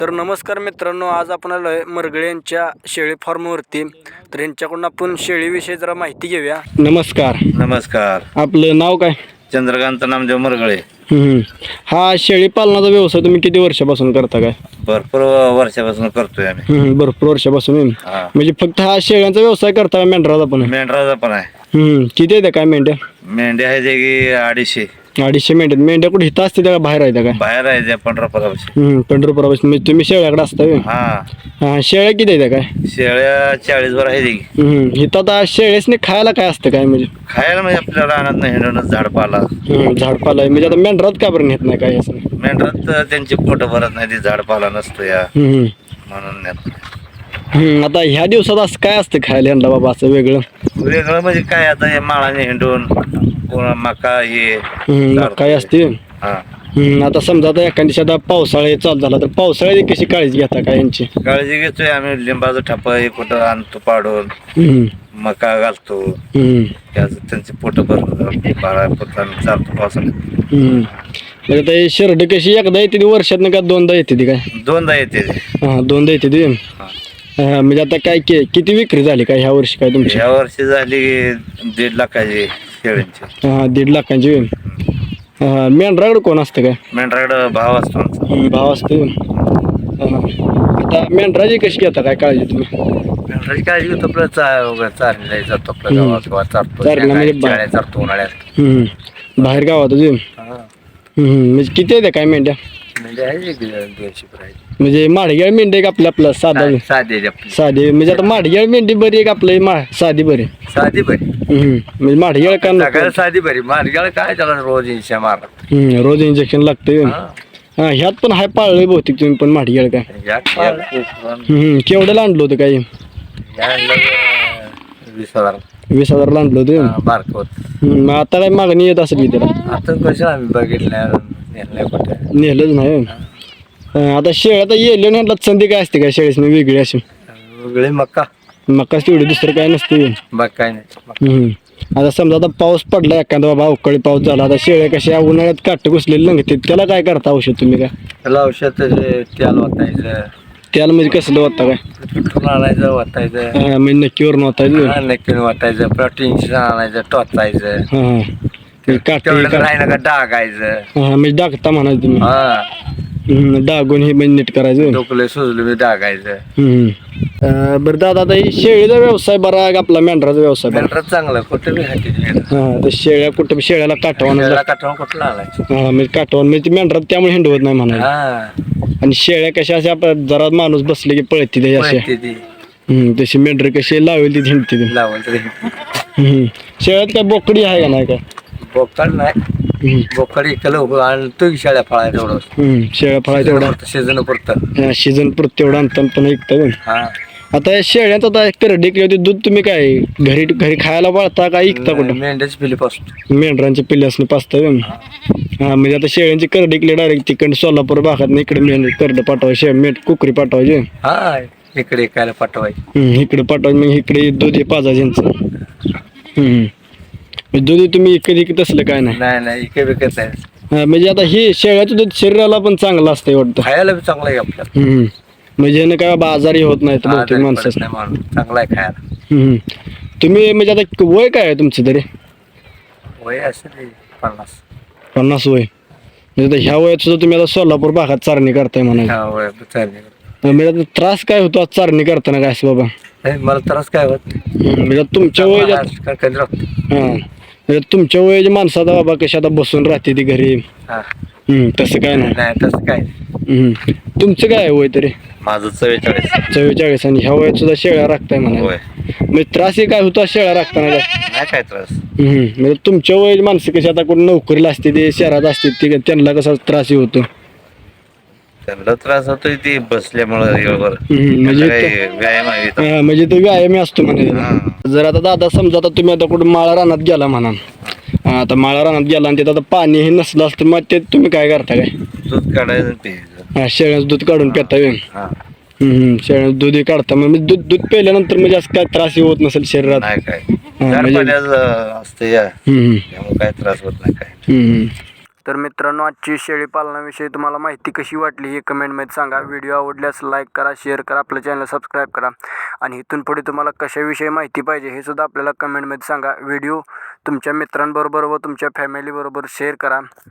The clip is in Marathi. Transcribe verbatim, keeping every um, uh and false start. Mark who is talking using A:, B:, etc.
A: तर नमस्कार मित्रांनो, आज आपण आलो आहे मरगळे यांच्या शेळी फार्मवरती. तर यांच्याकडून आपण शेळीविषयी जरा माहिती घेऊया. नमस्कार.
B: नमस्कार.
A: आपलं नाव काय?
B: चंद्रकांत नामदेव मरगळे.
A: हम्म. हा शेळी पालनाचा व्यवसाय तुम्ही किती वर्षापासून करता काय?
B: भरपूर वर्षापासून करतोय आम्ही.
A: हम्म, भरपूर वर्षापासून.
B: हा.
A: म्हणजे फक्त हा शेळ्यांचा व्यवसाय करता का मेंढराचा पण?
B: मेंढराचा पण आहे.
A: हम्म. किती आहे काय मेंढ्या?
B: मेंढ्या आहे जे की अडीचशे
A: अडीचशे मेंढ्या. मेंढ्या कुठे इथं असते त्या का बाहेर आहे त्या काय?
B: बाहेर आहे त्या पंढरपुरापाशी.
A: हम्म, पंढरपुरापासून. म्हणजे तुम्ही शेळ्याकडे असता व्हय?
B: हा.
A: हा, शेळ्या किती आहे काय?
B: शेळ्या चाळीस वर आहे की.
A: हम्म. इथं आता शेळ्यासने खायला काय असतं काय म्हणजे?
B: खायला म्हणजे आपल्या रानात हिंडूनच झाडपाला.
A: हम्म, झाडपाला आहे. म्हणजे आता मेंढरात का बरं नेत नाही काय असं?
B: मेंढरात त्यांची पोट भरत नाही, ती झाडपाला नसतो या
A: हम्म.
B: म्हणून नेत नाही.
A: हम्म, आता ह्या दिवसात असं काय असतं खायला यंदा बाबा असं वेगळं?
B: वेगळं म्हणजे काय, आता हे माळाने हिंडून कोणा मका हे
A: हम्म, मग काय असते?
B: हा.
A: हम्म, आता समजा आता एखाद्या दिवशी आता पावसाळा चालू झाला तर पावसाळ्याची कशी काळजी घेता काय यांची?
B: काळजी घेतोय आम्ही. लिंबाचं ठप हे कुठं आणतो पाडून,
A: हम्म.
B: मका घालतो.
A: हम्म.
B: त्याचं त्यांची पोट भरून बारा पोटाने चालतो पावसाळ्यात.
A: हम्म. म्हणजे आता हे शेरड कशी एकदा येते ती वर्षातनं का दोनदा येते ती काय?
B: दोनदा येते ते.
A: हा, दोनदा येते ती. हा, म्हणजे आता काय के किती विक्री झाली काय ह्या वर्षी काय तुमची?
B: ह्या वर्षी झाली दीड लाखाची शेळींची.
A: हा, दीड लाखांची. हा, मेंढराकडे कोण असतं काय?
B: मेंढराकडं भाव असतो आमचा.
A: हम्म, भाव असतो. हा. आता मेंढराची कशी घेता काय काळजी तुम्ही?
B: मेंढराची काळजी घेतो आपलं चा चालला जातो आपलं
A: हम्म.
B: गावात गावात चालतो.
A: चारणं म्हणजे बा-
B: शेळ्या चालतो उन्हाळ्यात.
A: हम्म. बाहेर गावात अजून?
B: हा.
A: हम्म, म्हणजे किती आहे त्या काय मेंढ्या?
B: म्हणजे आहे एक दोनशे पर्यंत.
A: म्हणजे माडग्याळ मेंढी आहे का आपलं आपलं साधा?
B: साधी आहे आपली.
A: साधी म्हणजे आता माडग्याळ मेंढी बरी आहे का आपलं मा साधी बरी?
B: साधी बरी.
A: हम्म, म्हणजे माडग्याळ का नको?
B: सगळ्याला साधी बरी. मार्गाला काय त्याला रोज इंशा मारला.
A: हम्म, रोज इंजेक्शन लागतं. हा, ह्यात पण हाय पाळलंय बहुतेक तुम्ही पण माडग्याळ काय? हम्म, केवढ्याला आणलं होतं काय?
B: वीस हजार
A: वीस हजारला आणलं होतं.
B: बारक होत.
A: हम्म, मग आता काय मागणी येत असेल की त्याला?
B: आता कसं आम्ही बघितलं नेलं कुठं.
A: नेलंच नाही. हा, आता शेळ्या आता येले ह्याला संधी काय असते काय शेळीस वेगळी अशी?
B: वेगळे मक्का.
A: मकाच तेवढी दुसरं काय नसते.
B: बाग काय नाही.
A: हम्म. आता समजा आता पाऊस पडला एखादा बाबा अवकाळी पाऊस झाला, आता शेळ्या कशा उन्हाळ्यात काट घुसलेले लंगते, त्याला काय करता औषध तुम्ही काय?
B: त्याला औषध तेल वाटायचं.
A: त्याला म्हणजे कसलं वाटतं काय?
B: कुठून आणायचं वाटायचं.
A: हा, म्हणजे नक्कीवर वाटायचं.
B: नक्की वाटायचं. प्रोटीन आणायचं टोचायचं.
A: हा, हा. ते काटे
B: तेवढं राहिलं का डागायचं.
A: हा, म्हणजे डागता म्हणायचं तुम्ही.
B: हा.
A: हम्म, डागून हे म्हणजे नीट करायचं.
B: डोकले सुजले मी डागायचं.
A: हम्म. अं, बरं दादा, आता हे शेळीचा व्यवसाय बरा आहे का आपला मेंढराचा व्यवसाय बरा?
B: मेंढरात चांगलं कुठं बी हाती.
A: हा, तर शेळ्या कुठं शेळ्याला काटवानं
B: काठवून कुठलं आणायचं.
A: हा, म्हणजे काटवान म्हणजे ती मेंढरात त्यामुळे हिंडवत नाही म्हणायचं.
B: हा.
A: आणि शेळ्या कशा अशा आपल्या जरा माणूस बसले की पळते ते अशा.
B: पळते ती.
A: हम्म, तशी मेंढर कशी लावेल ती हिंडते ती.
B: लावून तरी
A: हम्म. शेळ्यात काय बोकडी आहे का नाही काय?
B: बोकड नाही.
A: हम्म.
B: बोकड इकडं आणि तो शाळ्या फळाय तेवढं.
A: हम्म, शेळ्या फळा तेवढा
B: सीजन पुरतं.
A: सीझन पुरत तेवढा आणतात पण ऐकतं.
B: हा.
A: आता या शेळ्यात आता करडी किंवा दूध तुम्ही काय घरी घरी खायला पाळता का ऐकता कुठं?
B: मेंढ्याची पिली पासून.
A: मेंढरांच्या पिल्ल्यासने पाचता. हा, म्हणजे आता शेळ्यांची करडी इकडे डायरेक्ट तिकडे सोलापूर भागात नाही, इकडे मेंढ करड पाठवायची, शे मेंढ कुकरी पाठवायची.
B: हा, इकडे काय पाठवायची.
A: हम्म, इकडे पाठवायची मग इकडे दूध हे पाजायचं यांचं. हम्म, दूध तुम्ही इकडे इकडे तसलं काय नाही?
B: नाही नाही इकडे विकत आहे.
A: हा, म्हणजे आता हे शेळ्याचं दूध शरीराला पण चांगलं असतं वाटतं.
B: खायला बी चांगलं आहे आपल्याला.
A: हम्म, म्हणजे ह्यानं काय बाबा आजारी होत नाही बहुतेक माणसं.
B: नाही माणूस चांगला आहे खायला.
A: हम्म. तुम्ही म्हणजे आता वय काय आहे तुमचं तरी?
B: वय असेल पन्नास.
A: पन्नास वय. म्हणजे आता ह्या वयात सुद्धा तुम्ही आता सोलापूर भागात चारणी करताय म्हणायचं.
B: हा वय चालेल.
A: म्हणजे आता त्रास काय होतो आज चारणी करताना काय असं बाबा?
B: नाही, मला त्रास काय होत नाही.
A: हम्म, म्हणजे तुमच्या वयाच्या
B: काय कधी राहतो.
A: हा, म्हणजे तुमच्या वयाच्या माणसाचा बाबा कशा आता बसून राहते ती घरी.
B: हा.
A: हम्म, तसं काय नाही.
B: नाही तसं काय.
A: हम्म. तुमचं काय आहे वय तरी?
B: माझं चव्वेचाळीस.
A: चव्वेचाळीस. आणि ह्या वयात सुद्धा शेळ्या राखताय म्हणा.
B: होय.
A: म्हणजे त्रास हे काय होतो शेळ्या राखताना काय?
B: नाही काय त्रास.
A: हम्म, म्हणजे तुमच्या वयाची माणसं कशी आता कोण नोकरीला असते ते शहरात असते ते त्यांना कसा त्रास होतो?
B: त्यांना त्रास होतोय ती बसल्यामुळं वेळेवर.
A: हम्म, म्हणजे
B: काही
A: तो-
B: व्यायाम आहे इथं.
A: हा, म्हणजे तो व्यायामी असतो म्हणे.
B: हा.
A: जर आता दादा समजा आता तुम्ही आता कुठं माळा रानात गेला म्हणा, हा, आता माळा रानात गेला आणि तिथं आता पाणी हे नसलं असतं मग ते तुम्ही काय करता काय?
B: दूध काढायचं आणि प्यायचं.
A: हा, शेळ्याचं दूध काढून पिता येईल.
B: हा.
A: हम्म, शेळ्याचं दूध हे काढता मग दूध दूध प्यायल्यानंतर म्हणजे असं काय त्रास होत नसेल शरीरात?
B: नाही काय.
A: हा,
B: गार
A: म्हणजे-
B: पाण्याचं असतं या
A: हम्म,
B: त्यामुळे काय त्रास होत नाही काय.
A: हम्म. तर मित्रांनो, आजची शेळी पालनाविषयी तुम्हाला माहिती कशी वाटली हे कमेंटमध्ये सांगा. व्हिडिओ आवडल्यास लाईक करा, शेअर करा, आपलं चॅनल सबस्क्राईब करा आणि इथून पुढे तुम्हाला कशाविषयी माहिती पाहिजे हे सुद्धा आपल्याला कमेंटमध्ये सांगा. व्हिडिओ तुमच्या मित्रांबरोबर व तुमच्या फॅमिलीबरोबर शेअर करा.